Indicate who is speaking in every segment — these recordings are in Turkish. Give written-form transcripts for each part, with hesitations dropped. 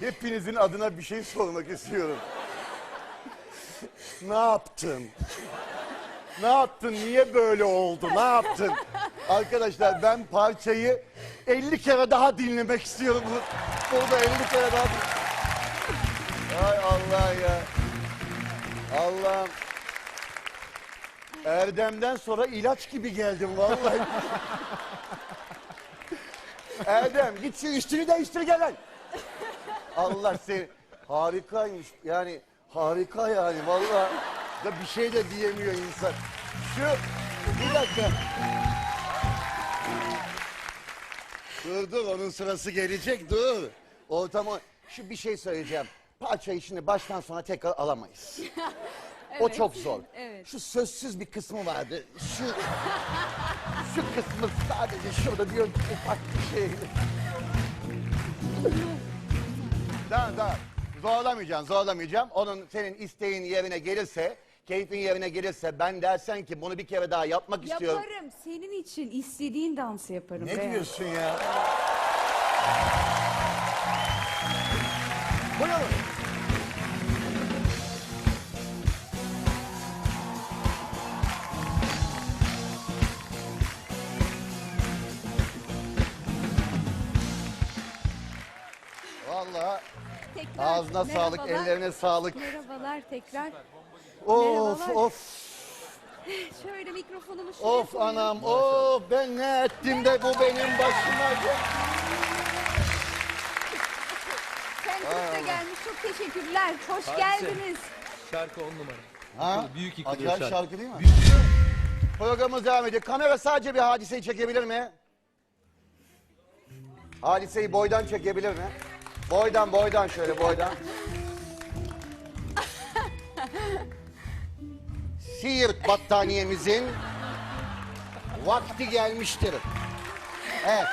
Speaker 1: Hepinizin adına bir şey sormak istiyorum. Ne yaptın? Ne yaptın? Niye böyle oldu? Ne yaptın? Arkadaşlar ben parçayı 50 kere daha dinlemek istiyorum. Burada 50 kere daha. Ay Allah ya. Allah'ım. Erdem'den sonra ilaç gibi geldim vallahi. Erdem git şu üstünü değiştir gel lan. Allah seni. Harikaymış yani harika yani vallahi da bir şey de diyemiyor insan. Şu bir dakika. Dur onun sırası gelecek dur. Ortamı şu bir şey söyleyeceğim. Parçayı şimdi baştan sona tekrar alamayız.
Speaker 2: Evet,
Speaker 1: O çok zor.
Speaker 2: evet.
Speaker 1: Şu sözsüz bir kısmı vardı. Şu kısmı sadece şurada bir ufak bir şey. Tamam. Zorlamayacağım. Onun senin isteğin yerine gelirse, keyfin yerine gelirse ben dersen ki bunu bir kere daha yapmak istiyorum.
Speaker 2: Yaparım. Senin için istediğin dansı yaparım.
Speaker 1: Ne
Speaker 2: Reyhan.
Speaker 1: diyorsun ya? Buyurun. Vallahi
Speaker 2: Tekrar,
Speaker 1: ağzına sağlık,
Speaker 2: merhabalar.
Speaker 1: ellerine sağlık.
Speaker 2: Merhabalar tekrar.
Speaker 1: Of
Speaker 2: Merhabalar.
Speaker 1: of
Speaker 2: Şöyle mikrofonumu şuraya
Speaker 1: of
Speaker 2: koyayım.
Speaker 1: anam of ben ne ettim de bu benim başıma geldi.
Speaker 2: Sen de gelmiş. Çok teşekkürler. Hoş
Speaker 3: Hadise.
Speaker 2: geldiniz.
Speaker 3: Şarkı 10 numara.
Speaker 1: Ha?
Speaker 3: Büyük yıkılıyor
Speaker 1: Acayip
Speaker 3: şarkı.
Speaker 1: şarkı değil mi? Programımız devam ediyor. Kamera sadece bir Hadise'yi çekebilir mi? Hadise'yi boydan çekebilir mi? Boydan şöyle boydan. Siirt battaniyemizin vakti gelmiştir. Evet.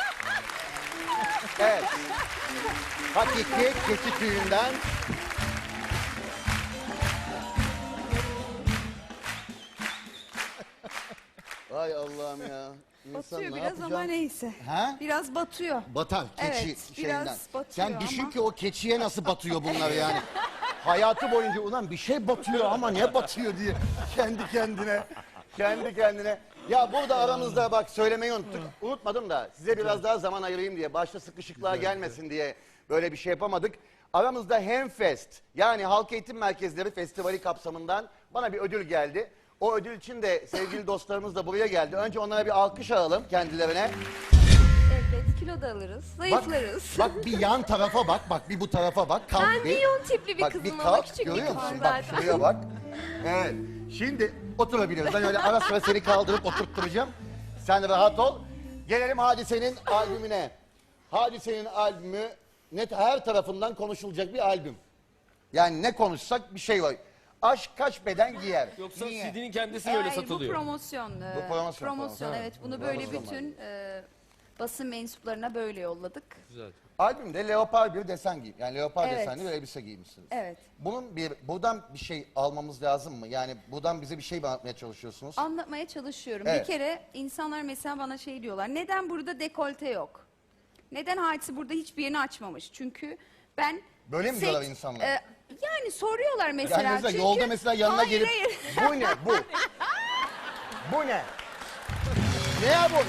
Speaker 1: Evet. Hakiki keçi tüyünden. Ay Allah'ım ya. İnsan
Speaker 2: Batıyor
Speaker 1: ne
Speaker 2: biraz
Speaker 1: yapacak?
Speaker 2: ama neyse.
Speaker 1: Ha?
Speaker 2: Biraz batıyor.
Speaker 1: Batar keçi
Speaker 2: Evet,
Speaker 1: şeyinden.
Speaker 2: biraz batıyor
Speaker 1: Sen düşün
Speaker 2: ama-
Speaker 1: ki o keçiye nasıl batıyor bunlar yani. Hayatı boyunca ulan bir şey batıyor ama ne batıyor diye kendi kendine. Ya burada aramızda bak söylemeyi unuttuk. Unutmadım da size biraz daha zaman ayırayım diye. Başta sıkışıklığa gelmesin diye böyle bir şey yapamadık. Aramızda Hemfest yani Halk Eğitim Merkezleri Festivali kapsamından bana bir ödül geldi. O ödül için de sevgili dostlarımız da buraya geldi. Önce onlara bir alkış alalım kendilerine.
Speaker 2: Evet, kilo da alırız. Zayıflarız.
Speaker 1: Bak bir yan tarafa bak bir bu tarafa bak. Kalk
Speaker 2: Ben milyon tipli bir
Speaker 1: bak,
Speaker 2: kızım
Speaker 1: bir
Speaker 2: ama
Speaker 1: kalk,
Speaker 2: küçük bir
Speaker 1: görüyor
Speaker 2: kızım
Speaker 1: musun? Bak
Speaker 2: zaten.
Speaker 1: şuraya bak. Evet. Şimdi oturabiliriz. Ben öyle ara sıra seni kaldırıp oturtturacağım. Sen rahat ol. Gelelim Hadise'nin albümüne. Hadise'nin albümü net her tarafından konuşulacak bir albüm. Yani ne konuşsak bir şey var. Aşk kaç beden giyer?
Speaker 3: Yoksa
Speaker 1: Niye?
Speaker 3: CD'nin kendisi mi öyle
Speaker 2: Hayır,
Speaker 3: satılıyor?
Speaker 2: Bu promosyon.
Speaker 1: Bu promosyon.
Speaker 2: Evet, bunu böyle
Speaker 1: Promosyon
Speaker 2: bütün basın mensuplarına böyle yolladık.
Speaker 3: Güzel.
Speaker 1: Albümde leopar bir desen giy. Yani leopar
Speaker 2: Evet.
Speaker 1: desenli bir elbise giymişsiniz.
Speaker 2: Evet.
Speaker 1: Buradan bir şey almamız lazım mı? Yani buradan bize bir şey mi anlatmaya çalışıyorsunuz?
Speaker 2: Anlatmaya çalışıyorum.
Speaker 1: Evet.
Speaker 2: Bir kere insanlar mesela bana şey diyorlar. Neden burada dekolte yok? Neden Hadise burada hiçbir yerini açmamış? Çünkü ben...
Speaker 1: Böyle mi diyorlar insanlar?
Speaker 2: Yani soruyorlar mesela.
Speaker 1: Yani mesela
Speaker 2: Çünkü-
Speaker 1: yolda mesela yanına
Speaker 2: Hayır,
Speaker 1: gelip
Speaker 2: hayır.
Speaker 1: bu ne bu? Bu ne? Ne ya bu?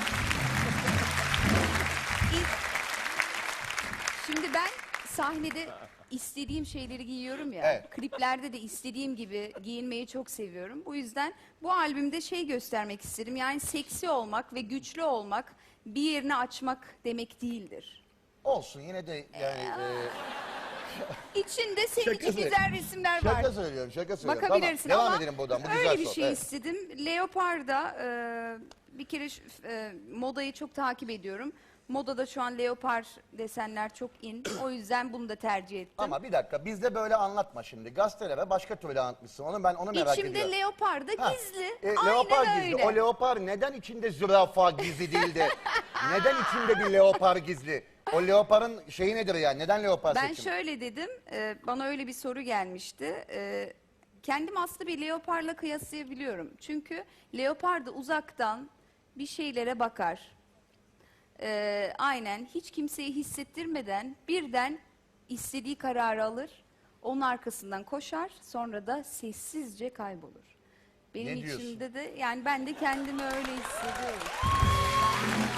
Speaker 2: Şimdi ben sahnede istediğim şeyleri giyiyorum ya.
Speaker 1: Evet.
Speaker 2: Kliplerde de istediğim gibi giyinmeyi çok seviyorum. Bu yüzden bu albümde şey göstermek istedim. Yani seksi olmak ve güçlü olmak bir yerini açmak demek değildir.
Speaker 1: Olsun yine de yani
Speaker 2: İçinde senin
Speaker 1: Şaka
Speaker 2: için
Speaker 1: söyle-
Speaker 2: güzel resimler var.
Speaker 1: şaka söylüyorum.
Speaker 2: Bakabilirsin
Speaker 1: Tamam,
Speaker 2: ama
Speaker 1: devam edelim buradan. Bu
Speaker 2: öyle
Speaker 1: güzel
Speaker 2: bir
Speaker 1: soru.
Speaker 2: şey
Speaker 1: Evet.
Speaker 2: istedim. Leopard'da bir kere modayı çok takip ediyorum. Modada şu an leopar desenler çok in. O yüzden bunu da tercih ettim.
Speaker 1: Ama bir dakika bizde böyle anlatma şimdi. Gazetelere başka türlü anlatmışsın. Onu merak
Speaker 2: İçimde
Speaker 1: ediyorum.
Speaker 2: leopar da
Speaker 1: Ha,
Speaker 2: gizli.
Speaker 1: leopar
Speaker 2: Aynen
Speaker 1: gizli.
Speaker 2: öyle.
Speaker 1: O leopar neden içinde zürafa gizli değil de neden içinde bir leopar gizli? O leoparın şeyi nedir yani? Neden leopar
Speaker 2: Ben
Speaker 1: seçimi?
Speaker 2: şöyle dedim. Bana öyle bir soru gelmişti. Kendim aslında bir leoparla kıyaslayabiliyorum. Çünkü leopar da uzaktan bir şeylere bakar. Aynen hiç kimseyi hissettirmeden birden istediği kararı alır, onun arkasından koşar, sonra da sessizce kaybolur. Benim
Speaker 1: Ne diyorsun?
Speaker 2: içimde de yani ben de kendimi öyle hissediyorum.